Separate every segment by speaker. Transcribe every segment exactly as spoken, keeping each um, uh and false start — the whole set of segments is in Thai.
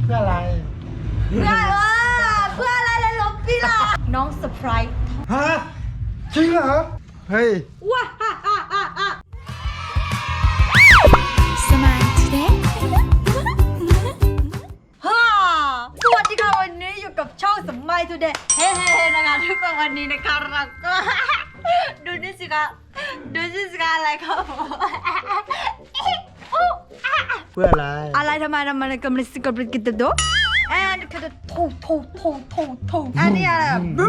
Speaker 1: เพื่ออะไร
Speaker 2: เพื่อว่าเพื่ออะไรเลยลบพี่ล่ะน้องเซอร์ไพรส์
Speaker 1: ฮะจริงเหรอเฮ้ย
Speaker 2: ว้าฮ่าฮ่าฮ่าฮ่า
Speaker 3: สมายทูเดย์
Speaker 2: ฮ่าสวัสดีค่ะวันนี้อยู่กับช่องสมัยทูเดย์เฮ้เฮ้นะคะทุกคนวันนี้นะคะเราก็ดูนี่สิคะดูนี่สิคะอะไรครับ
Speaker 1: เพื่ออะไร
Speaker 2: อะไรทำไมทำไมกำลังสิกำลังกินตัวแอนคือทูทูทูทูทูอันนี้อะไรบู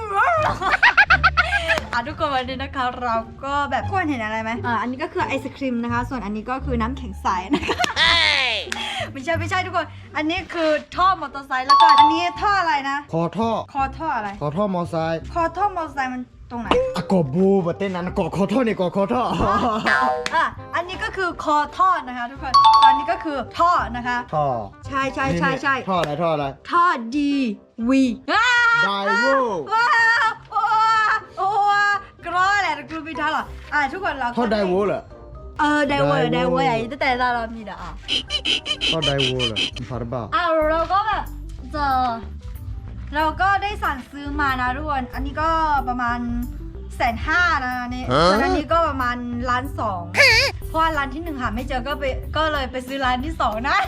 Speaker 2: อ่ะทุกคนวันนี้นะคะเราก็แบบควรเห็นอะไรไหมอ่าอันนี้ก็คือไอศครีมนะคะส่วนอันนี้ก็คือน้ำแข็งใสนะคะไม่ใช่ไม่ใช่ทุกคนอันนี้คือท่อมอเตอร์ไซค์แล้วก็อันนี้ท่ออะไรนะ
Speaker 1: คอท่อ
Speaker 2: คอท่ออะไร
Speaker 1: คอท่อมอไซค์
Speaker 2: คอท่อมอเตอร์ไซค์มันตรงไหน
Speaker 1: อะกอบูบะเต้นนั้นกอคอท่อนี่กอคอท่อ
Speaker 2: อ่ะอันนี้ก็คือคอท่อนะคะทุกคนตอนนี้ก็คือท่อนะคะ
Speaker 1: ท่อ
Speaker 2: ใช่ใช่ใช่ใช่
Speaker 1: ท่ออะไรท่ออะไร
Speaker 2: ท่อดีวี
Speaker 1: ไดโว
Speaker 2: ว้าวโอ้โอ้กรอแหละกรุ๊ปพิทักษ์หรออ่ะทุกคนเรา
Speaker 1: ท่อไดโวเหรอ
Speaker 2: เออไดโวไดโวใหญ่ตั้งแต่เราเรามีเด้ออ่ะ
Speaker 1: ท่อไดโวเหรอผ่านบ้า
Speaker 2: อ่ะเราก็แบบเจอเราก็ได้สั่งซื้อมานะทุกคนอันนี้ก็ประมาณแสนห้านะนี่ส่วนอันนี้ก็ประมาณล้านสองเพราะว่าร้านที่หนึ่งหาไม่เจอก็ไปก็เลยไปซื้อร้านที่สองนะ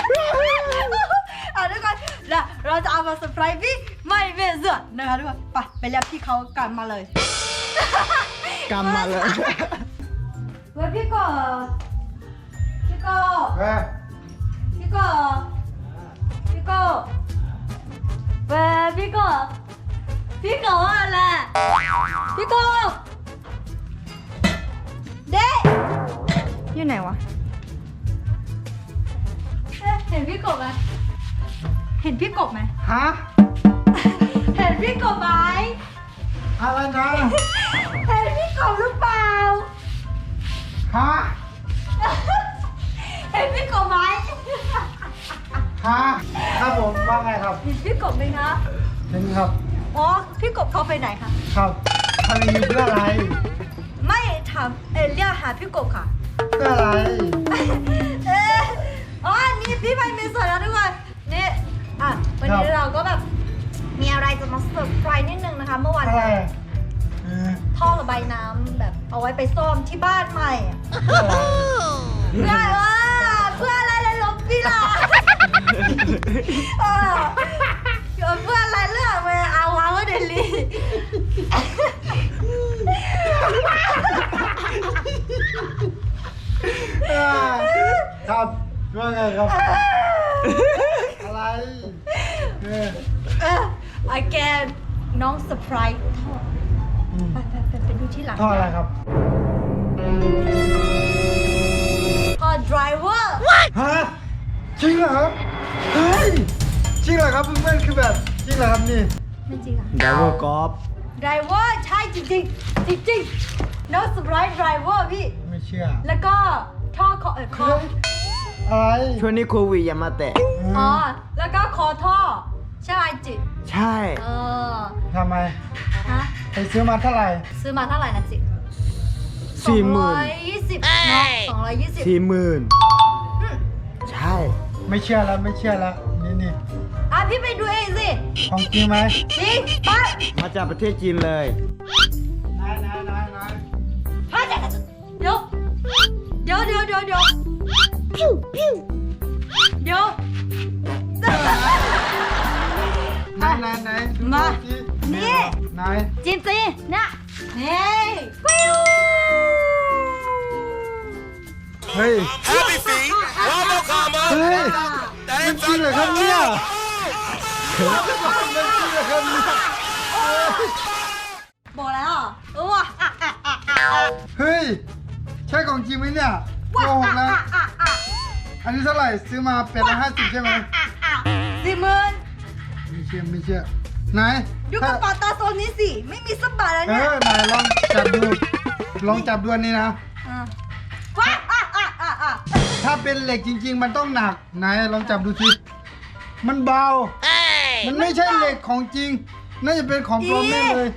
Speaker 2: อ่ะทุกคนแล้วเราจะเอามาเซอร์ไพรส์พี่ไม่เบื่อนะคะทุกคนไปไปเรียกพี่เขากันมาเลย
Speaker 1: กันมาเลย
Speaker 2: เว้ยพี่ก็พี่ก็พี่ก็พี่ก็เว้ยพี่ก็พี่ก็อะไรพี่ก็เด็กอยู่ไหนวะเห็นพี่กบไหมเห็นพี่กบไหม
Speaker 1: ฮะ
Speaker 2: เห็นพี่กบไหม
Speaker 1: อะไรนะ
Speaker 2: เห็นพี่กบหรือเปล่า
Speaker 1: ฮะ
Speaker 2: เห็นพี่กบไหม
Speaker 1: ฮะครับผมว่าไงครับ
Speaker 2: เห็นพี่กบไหมคะ
Speaker 1: เห็นครับ
Speaker 2: อ๋อพี่กบเขาไปไหนคะ
Speaker 1: ครับทำอยู่เพื่ออะไร
Speaker 2: ไม่ถามเอเรียกหาพี่กบค่ะ
Speaker 1: เพื่ออะไร
Speaker 2: เอออ๋อนี่พี่ไปมีส่วนแล้วทุกคนนี่อ่ะวันนี้เราก็แบบมีอะไรจะมาเซอร์ไพรส์นิดนึงนะคะเมื่อวานท่อระบายน้ำแบบเอาไว้ไปซ่อมที่บ้านใหม่เพื่ออะไรเพื่ออะไรเลยลบพี่ล่ะเออเพื่ออะไรเลือกไปเอาวางไว้เดลี่
Speaker 1: ครับว่าไงครับอะไร
Speaker 2: เออไอแกน้องเซอร์ไพรส์ท่อไปไปไปไปดูที่หลัง
Speaker 1: ท่ออะไรครับ
Speaker 2: ท่อไดรเวอร์
Speaker 1: ฮะจริงเหรอครับเฮ้ยจริงเหรอครับเพื่อนๆคือแบบจริงเหรอครับนี่
Speaker 2: ไม่จริงอ่ะ
Speaker 1: ไดรเวอร์กอล์ฟ
Speaker 2: ไดรเวอร์ใช่จริงจริงจริงจริงน้องเซอร์ไพรส์ไดรเวอร์พี่
Speaker 1: ไม่เชื่อ
Speaker 2: แล้วก็ท่อคอเออคอ
Speaker 1: อะไร
Speaker 4: ช่วงนี้โควิดอย่ามาแตะ
Speaker 2: อ๋อแล้วก็คอท่อใช่ไหมจิ
Speaker 4: ใช่
Speaker 2: เออ
Speaker 1: ทำไม
Speaker 2: ฮะ
Speaker 1: ไปซื้อมาเท่าไหร่
Speaker 2: ซื้อมาเท่าไหร่นะจิ
Speaker 4: สี่หมื่น
Speaker 2: สองร้อยยี่สิบเนาะสองร้อยยี่สิบ
Speaker 4: สี่หมื่นใช่
Speaker 1: ไม่เชื่อแล้วไม่เชื่อแล้วนี่นี่
Speaker 2: อ่ะพี่ไปดูเองสิ
Speaker 1: ของจริงไหม
Speaker 2: จริงไป
Speaker 4: มาจากประเทศจีนเลย
Speaker 1: นายนายนายนาย
Speaker 2: เดี๋ยวเดี๋ยวเดี๋ยวเดี๋ยวเดี๋ยวพิ้วพิ้วเดี๋ยวน
Speaker 1: ายนายนาย
Speaker 2: มานี่
Speaker 1: นาย
Speaker 2: จินจีนะเฮ้ยปิ้ว
Speaker 1: เฮ้ยเฮ้ยมันจริงเหรอครับเนี่ยมันจริงเหรอครับเนี่ย
Speaker 2: บอกแล้วว้า
Speaker 1: เฮ้ยใช่ของจริงไหมเนี่ยโกหกนะอันนี้เท่าไหร่ซื้อมาแปดร้อยห้าสิบใช่ไหม
Speaker 2: สี่หมื่น
Speaker 1: ไม่เชื่อไม่เชื่อไหน
Speaker 2: ดูกระเป๋าตาโซนนี้สิไม่มีสักบาทแล้วเนี่ย
Speaker 1: เออไหนลองจับดูลองจับดูนี่นะ
Speaker 2: ว้า
Speaker 1: ถ้าเป็นเหล็กจริงๆมันต้องหนักไหนลองจับดูสิมันเบามันไม่ใช่เหล็กของจริงน่าจะเป็นของปลอมแน่เลย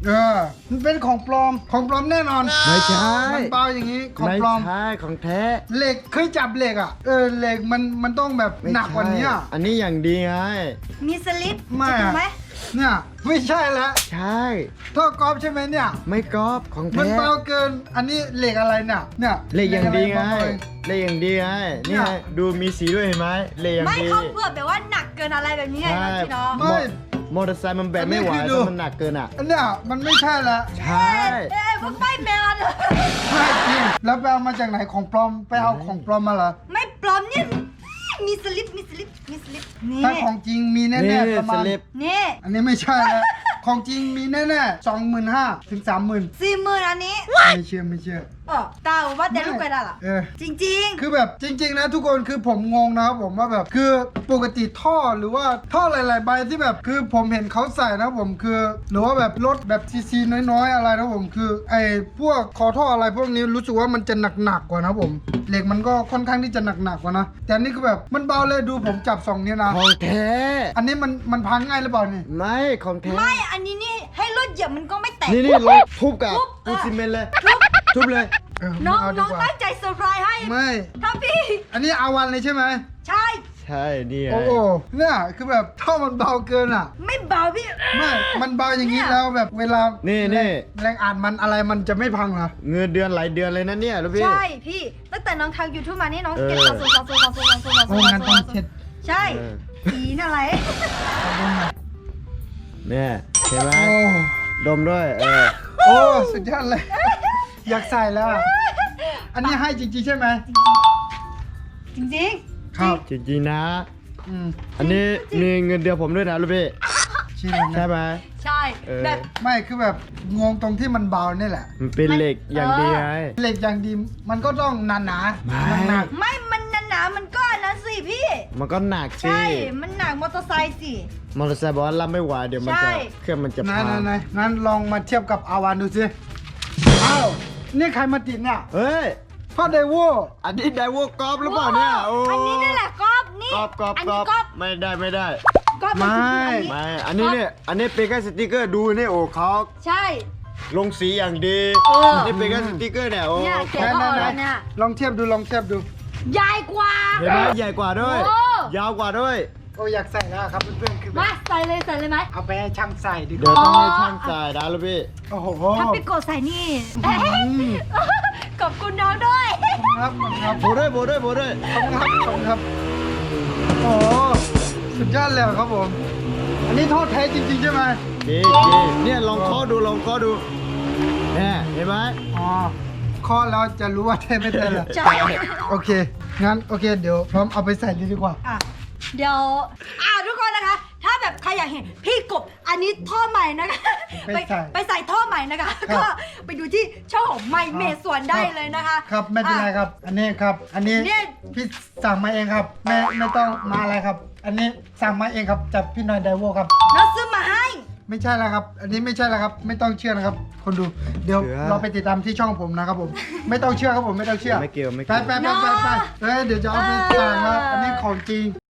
Speaker 1: เออมันเป็นของปลอมของปลอมแน่นอน
Speaker 4: ไม่ใช่
Speaker 1: มันเบาอย่างนี้ของ
Speaker 4: ไม่
Speaker 1: ปลอม
Speaker 4: ใช่ของแท้
Speaker 1: เหล็กเคยจับเหล็กอ่ะเออเหล็กมันมันต้องแบบ
Speaker 4: ไม่
Speaker 1: หนักกว่านี้อ่ะ
Speaker 4: ใช่อันนี้อย่างดีไง
Speaker 2: มีสลิป
Speaker 1: ไม่
Speaker 2: จะดู
Speaker 1: อะ
Speaker 2: ไหม
Speaker 1: เนี่ยไม่ใช่แล้ว
Speaker 4: ใช่
Speaker 1: ท่อกอล์ฟใช่ไหมเนี่ย
Speaker 4: ไม่กรอบของ
Speaker 1: มัน
Speaker 4: แท้
Speaker 1: เบาเกินอันนี้เหล็กอะไรเนี่ยเนี่ย
Speaker 4: เหล็กอย่างดีไง
Speaker 1: เหล็กอะไร
Speaker 4: เหล็กอย่างดีไง
Speaker 1: เนี่
Speaker 4: นี่
Speaker 1: ย
Speaker 4: ไงดูมีสีด้วยเห็นไหมเหล็กอย่าง
Speaker 2: ไม่
Speaker 4: ดี
Speaker 2: เขาเผื่อแบบว่าหนักเกินอะไรแบบนี้ไง
Speaker 4: ใช่
Speaker 2: น้องจีน้อง
Speaker 1: ไม่
Speaker 4: มอเตอร์ไซค์มันแบกไม่ไหว
Speaker 1: อันนี้คือดู
Speaker 4: ถ้ามันหนักเกินอ่ะ
Speaker 1: อันเนี้ยมันไม่ใช่แล้ว
Speaker 4: ใช่
Speaker 2: เอ้ยพวกไม่แมน
Speaker 1: ไม่จริงแล้วไปเอามาจากไหนของปลอมไปเอาของปลอมมาเหรอ
Speaker 2: ไม่ปลอมเนี่ยมีสลิปมีสลิปมีสลิปนี่
Speaker 1: ถ้าของจริงมีแน่
Speaker 4: นี่
Speaker 1: ๆประ
Speaker 4: ส
Speaker 1: มาณ
Speaker 4: ลิป
Speaker 2: นี่
Speaker 1: อันนี้ไม่ใช่แล้ว ของจริงมีแน่ๆสองหมื่นห้าถึงสามหมื่น
Speaker 2: สี่หมื่นอันนี้
Speaker 1: ไม่เชื่อไม่เชื่อ
Speaker 2: เออตาว่าแต่ลูกไปได้หรอ
Speaker 1: เออ
Speaker 2: จริง
Speaker 1: คือแบบจริง ๆ นะทุกคนคือผมงงนะครับผมว่าแบบคือปกติท่อหรือว่าท่อหลาย ๆ ใบที่แบบคือผมเห็นเขาใส่นะผมคือ หรือว่าแบบรถแบบซีซีน้อยๆอะไรนะผมคือไอ้พวกคอท่ออะไรพวกนี้รู้สึกว่ามันจะหนักๆกว่านะผมเหล็กมันก็ค่อนข้างที่จะหนักๆกว่านะแต่อันนี่คือแบบมันเบาเลยดูผมจับสองนิ้วนะ
Speaker 4: ของแท้
Speaker 1: อันนี้มันมันพังง่ายหรือเปล่านี่
Speaker 4: ไม่ของแท้
Speaker 2: ๆ ไม่อันนี้นี่ให้รถเหยียบมันก็ไม่แตก
Speaker 4: นี่นี่ลองทุบกับ
Speaker 2: ทุบ
Speaker 4: ปูน
Speaker 2: อ่ะ
Speaker 4: ซีเมนต์เลย ทุบเลย
Speaker 1: เออ
Speaker 2: น้อง
Speaker 1: ไม่เาดี
Speaker 2: น้อง
Speaker 1: กว่า
Speaker 2: ตั้งใจเซอร์ไพรส์ให้
Speaker 1: ไม่
Speaker 2: ถ้าพี่
Speaker 1: อันนี้อาวันเลยใช่ไหม
Speaker 2: ใช่
Speaker 4: ใช่นี่ไง
Speaker 1: โอ้โหเนี่ยคือแบบท่อมันเบาเกินอ่ะ
Speaker 2: ไม่เบาพี่
Speaker 1: ไม่มันเบาอย่างนี้
Speaker 2: เนี่ย
Speaker 1: แล้วแบบเวลา
Speaker 4: นี่
Speaker 1: แร
Speaker 4: นี่
Speaker 1: งแรงอ่านมันอะไรมันจะไม่พังเหรอ
Speaker 4: เงินเดือนหลายเดือนเลยนะเนี่ยลูกพี่
Speaker 2: ใช่พี่ตั้งแต่น้องทำยูทูบมานี่น้องเก็บ
Speaker 4: เออ
Speaker 2: สะสมสะสมสะสมสะสมสะส
Speaker 1: โอ้
Speaker 2: ม
Speaker 1: งั้นต้องเช็ด
Speaker 2: ใช่
Speaker 4: เออ
Speaker 2: ผีน่ะไร
Speaker 1: ขอบคุณนะ
Speaker 4: เนี่ยเห็นไหม
Speaker 1: โอ้
Speaker 4: ดมด้วยเออ
Speaker 1: โอ้สุดยอดเลย อยากใส่แล้วอะอันนี้ให้จริงๆใช่ไหม
Speaker 2: จริง
Speaker 1: ครับ
Speaker 4: จริงๆนะ
Speaker 1: อืม
Speaker 4: อันนี้มีเงินเดือนผมด้วยนะลูกพี่
Speaker 1: ใช่ไหม
Speaker 4: ใช่ไหม
Speaker 2: ๆ ใช่
Speaker 4: เออ
Speaker 2: แบบ
Speaker 1: ไม่คือแบบงงตรงที่มันเบานี่แหละ
Speaker 4: มันเป็นเหล็กอย่างดีไง
Speaker 1: เหล็กอย่างดีมันก็ต้องหนาหนาๆ
Speaker 4: ไม่
Speaker 1: หนัก
Speaker 2: ไม่มันหนาๆมันก็อันนั้นสิพี่
Speaker 4: มันก็หนักสิ
Speaker 2: ใช่ มันหนักมอเตอร์ไซค์สิ
Speaker 4: มอเตอร์ไซค์บอกว่ารับไม่ไหวเดี๋ยวมัน
Speaker 2: ใช่
Speaker 4: จะเครื่องมันจะ
Speaker 1: ๆ
Speaker 4: พั
Speaker 1: นาย
Speaker 4: ง
Speaker 1: นายงั้นลองมาเทียบกับอาวานดูสิอ้าวนี่ใครมาติดเนี่ย
Speaker 4: เฮ้ย
Speaker 1: พ่อไดโว
Speaker 4: อันนี้ไดโวกรอบหรือเปล่าเนี่ยโอ้
Speaker 2: อันนี้นี่แหละกรอบนี่
Speaker 4: กรอบกรอบ
Speaker 2: อัน
Speaker 4: กร
Speaker 2: นี้
Speaker 4: อบ
Speaker 2: กรอบ
Speaker 4: ไม่ได้ไม่ได้
Speaker 2: กรอบนคืออันนี้
Speaker 4: ไม่ อันนี้เนี่ย อันนี้เป็นแค่สติกเกอร์ดูนี่โอ้เขา
Speaker 2: ใช่
Speaker 4: ลงสีอย่างดี
Speaker 2: เอออั
Speaker 4: นนี้เป็นแค่สติกเกอร์เนี่ยโอ้
Speaker 2: เนี่ย
Speaker 4: ข
Speaker 2: แกะ
Speaker 4: อง
Speaker 2: ก็
Speaker 1: ไหน
Speaker 2: เอา
Speaker 1: ๆ
Speaker 2: แล้วเนี่ย
Speaker 1: ลองเทียบดูลองเทียบดู
Speaker 2: ใหญ่กว่า
Speaker 4: เห็นไหมใหญ่กว่าด้วย
Speaker 2: โอ้
Speaker 4: ยาวกว่าด้วย
Speaker 1: โอ้อยากใส่แล้วครับเพื่อนๆคือแบ
Speaker 2: มา
Speaker 1: บ
Speaker 2: ใส่เลยใส่เลยไหม
Speaker 1: เอาไปให้ช่างใส่ดีก
Speaker 4: เดี๋ยว
Speaker 1: ว่า
Speaker 4: ต้องให้ช่างจ่ายนะลูกพี่
Speaker 1: โอ้โห
Speaker 2: ถ้าไปกดใส่นี่
Speaker 1: อืม
Speaker 2: ขอบคุณน้องด้วย
Speaker 1: ครับขอบคุณครับ
Speaker 4: โบด้วยโบด้วยโบด้วย
Speaker 1: ขอบคุณครับขอบคุณครับ โอ้โหสุดยอดเลยครับผม อันนี้ทอดแท้จริงๆใช่ไหม
Speaker 4: ดีดีเนี่ยลองเคาะดูลองเคาะดูเนี่ยเห็นไหม
Speaker 1: อ๋อข้อแล้วจะรู้ว่าแท้ไม่แท้เหรอ
Speaker 2: ใช่
Speaker 1: โอเค งั้นโอเค เดี๋ยวพร้อมเอาไปใส่เลยดีกว่า
Speaker 2: อ่ะเดี๋ยวอ่าทุกคนนะคะ ถ้าแบบใครอยากเห็นพี่กบอันนี้ท่อใหม่นะคะ
Speaker 1: ไปใส่
Speaker 2: ไปใส่ท่อใหม่นะคะ
Speaker 1: ครับ
Speaker 2: ก็ไปดูที่ช่องของไมเมสวนได้เลยนะคะ
Speaker 1: ครับไม่เป็นไรครับ อันนี้ครับ อันนี้
Speaker 2: เนี่ย
Speaker 1: พี่สั่งมาเองครับไม่ไม่ต้องมาอะไรครับ อันนี้สั่งมาเองครับจากพี่นอยไดโวครับ
Speaker 2: น้องซื้อมาให้
Speaker 1: ไม่ใช่แล้วครับ อันนี้ไม่ใช่แล้วครับ ไม่ต้องเชื่อนะครับ คนดู เดี๋ยวเราไปติดตามที่ช่องผมนะครับผม ไม่ต้องเชื่อครับผมไม่ต้องเชื่อ
Speaker 4: ไม่เกี่ยวไม่
Speaker 1: ไป
Speaker 4: เกี่ยว
Speaker 1: ไปไปไปไปเอ้ยเดี๋ยวจะเอาไปสั่งแล้วอันนี้ของจริง